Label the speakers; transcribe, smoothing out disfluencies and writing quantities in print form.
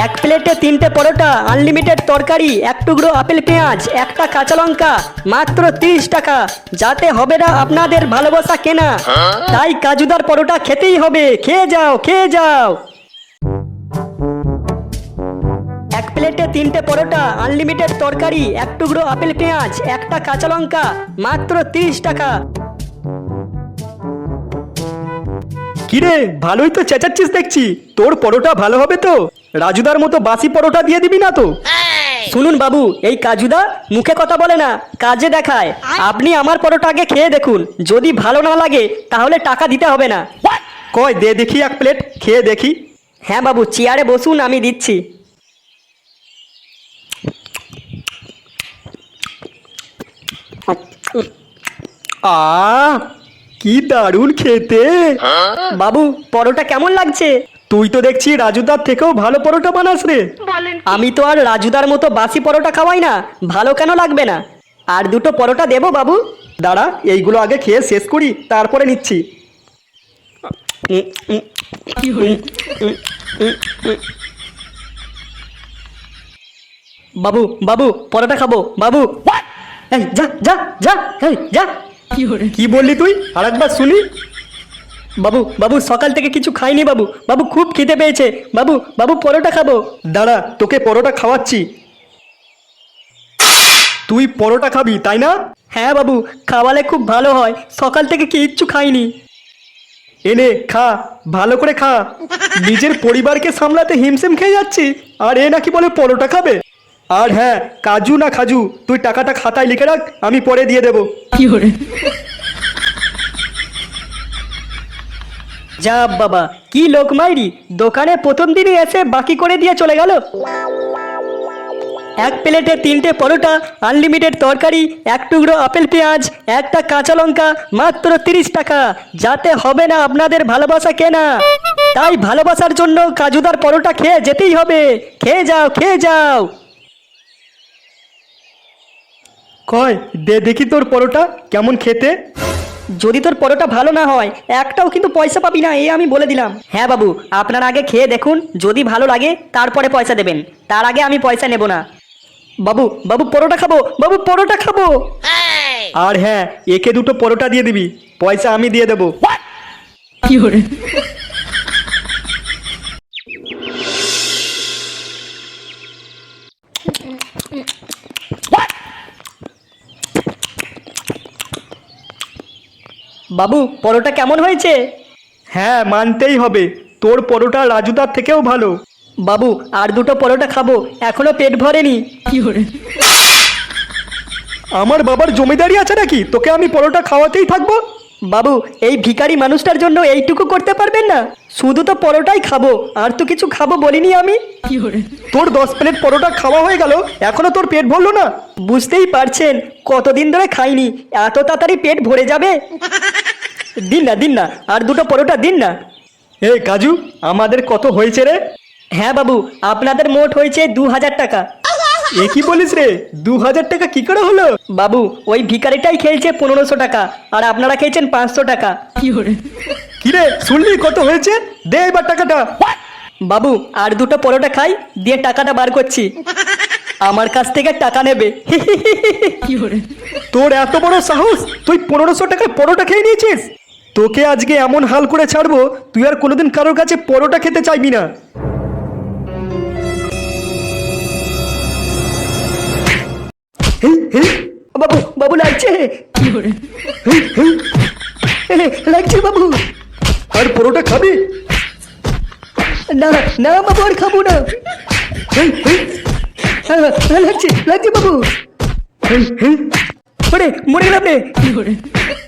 Speaker 1: এক প্লেটে 3টে পরোটা, আনলিমিটেড তরকারি, এক টুকরো আপেল পেঁয়াজ, একটা কাঁচা লঙ্কা, মাত্র 30 টাকা। যাতে হবে না আপনাদের ভালোবাসা কেনা, তাই কাজুদার পরোটা খেতেই হবে। খেয়ে যাও, খেয়ে যাও। এক প্লেটে 3টে পরোটা, আনলিমিটেড তরকারি, এক টুকরো আপেল পেঁয়াজ, একটা কাঁচা লঙ্কা, মাত্র 30 টাকা।
Speaker 2: কিরে, ভালোই তো চেঁচাচ্ছিস দেখছি। তোর পরোটা ভালো হবে তো? রাজুদার মতো বাসি পরোটা দিয়ে দিবি না তো?
Speaker 1: শুনুন বাবু, এই কাজুদা মুখে কথা বলে না, কাজে দেখায়। আপনি আমার পরোটা আগে খেয়ে দেখুন, যদি ভালো না লাগে তাহলে টাকা দিতে হবে না।
Speaker 2: কই দে দেখি এক প্লেট, খেয়ে দেখি।
Speaker 1: হ্যাঁ বাবু, চেয়ারে বসুন, আমি দিচ্ছি।
Speaker 2: কি দারুণ খেতে।
Speaker 1: বাবু, পরোটা কেমন লাগছে?
Speaker 2: তুই তো দেখছি রাজুদার থেকেও ভালো পরোটা বানাস রে।
Speaker 1: আমি তো আর রাজুদার মতো বাসি পরোটা খাওয়াই না, ভালো কেন লাগবে না? আর দুটো পরোটা দেবো বাবু?
Speaker 2: দাঁড়া, এইগুলো আগে খেয়ে শেষ করি, তারপরে নিচ্ছি।
Speaker 1: বাবু বাবু, পরোটা খাবো বাবু। এই যা যা যা, এই যা।
Speaker 2: কি বললি তুই? আরেকবার শুনি।
Speaker 1: বাবু বাবু, সকাল থেকে কিছু খাইনি বাবু। বাবু খুব খিদে পেয়েছে বাবু। বাবু পরোটা খাবো।
Speaker 2: দাঁড়া, তোকে পরোটা খাওয়াচ্ছি। তুই পরোটা খাবি তাই না?
Speaker 1: হ্যাঁ বাবু, খাওয়ালে খুব ভালো হয়। সকাল থেকে কিচ্ছু খাইনি।
Speaker 2: এনে খা, ভালো করে খা। নিজের পরিবারকে সামলাতে হিমশিম খেয়ে যাচ্ছি, আর এ নাকি বলে পরোটা খাবে। আর হ্যাঁ, কাজু না খাজু, তুই টাকাটা খাতায় লিখে রাখ, আমি পরে দিয়ে দেবো।
Speaker 1: যা বাবা, কি লোক মাইরি! দোকানে প্রথম দিনই এসে বাকি করে দিয়ে চলে গেল। এক প্লেটে 3টে পরোটা, আনলিমিটেড তরকারি, এক টুকরো আপেল পেঁয়াজ, একটা কাঁচা লঙ্কা, মাত্র 30 টাকা। যাতে হবে না আপনাদের ভালোবাসা কেনা, তাই ভালোবাসার জন্য কাজুদার পরোটা খেয়ে যেতেই হবে। খেয়ে যাও, খেয়ে যাও।
Speaker 2: কয় দে দেখি তোর পরোটা কেমন খেতে।
Speaker 1: যদি তোর পরোটা ভালো না হয়, একটাও কিন্তু পয়সা পাবি না, এই আমি বলে দিলাম। হ্যাঁ বাবু, আপনারা আগে খেয়ে দেখুন, যদি ভালো লাগে তারপরে পয়সা দেবেন, তার আগে আমি পয়সা নেব না। বাবু বাবু, পরোটা খাবো বাবু, পরোটা খাবো।
Speaker 2: আর হ্যাঁ, একে দুটো পরোটা দিয়ে দিবি, পয়সা আমি দিয়ে দেবো।
Speaker 1: বাবু, পরোটা কেমন হয়েছে?
Speaker 2: হ্যাঁ, মানতেই হবে, তোর পরোটা রাজুদার থেকেও ভালো।
Speaker 1: বাবু, আর দুটো পরোটা খাবো, এখনো পেট ভরেনি।
Speaker 2: আমার বাবার জমিদারি আছে নাকি তোকে আমি পরোটা খাওয়াতেই থাকবো?
Speaker 1: বাবু, এই ভিখারি মানুষটার জন্য এইটুকু করতে পারবেন না? শুধু তো পরোটাই খাবো, আর তো কিছু খাবো বলিনি আমি।
Speaker 2: তোর 10 প্লেট পরোটা খাওয়া হয়ে গেল, এখনো তোর পেট ভরলো না?
Speaker 1: বুঝতেই পারছেন, কতদিন ধরে খাইনি, এত তাড়াতাড়ি পেট ভরে যাবে? দিন না, দিন না, আর দুটো পরোটা দিন না।
Speaker 2: এ কাজু, আমাদের কত হয়েছে রে?
Speaker 1: হ্যাঁ বাবু, আপনাদের মোট হয়েছে 2000 টাকা।
Speaker 2: এ কি বলিস রে? 2000 টাকা কি করে হলো?
Speaker 1: বাবু, ওই ভিখারিটাই খেয়েছে 1500 টাকা, আর আপনারা খেয়েছেন 500 টাকা।
Speaker 2: কি রে, শুনলি কত হয়েছে? দে এবার টাকাটা।
Speaker 1: বাবু, আর দুটো পরোটা খাই, দিয়ে টাকাটা বার করছি। আমার কাছ থেকে টাকা নেবে?
Speaker 2: তোর এত বড় সাহস, তুই 1500 টাকায় পরোটা খেয়ে নিয়েছিস? তোকে আজকে এমন হাল করে ছাড়বো, তুই আর কোনোদিন কারোর কাছে পরোটা খেতে চাইবি না।
Speaker 1: বাবু বাবু, লাগছে লাগছে বাবু।
Speaker 2: আর পরোটা খাবি
Speaker 1: না না বাবু, আর খাবো না। লাগছে লাগছে বাবু। ওরে, মরে গেলাম রে।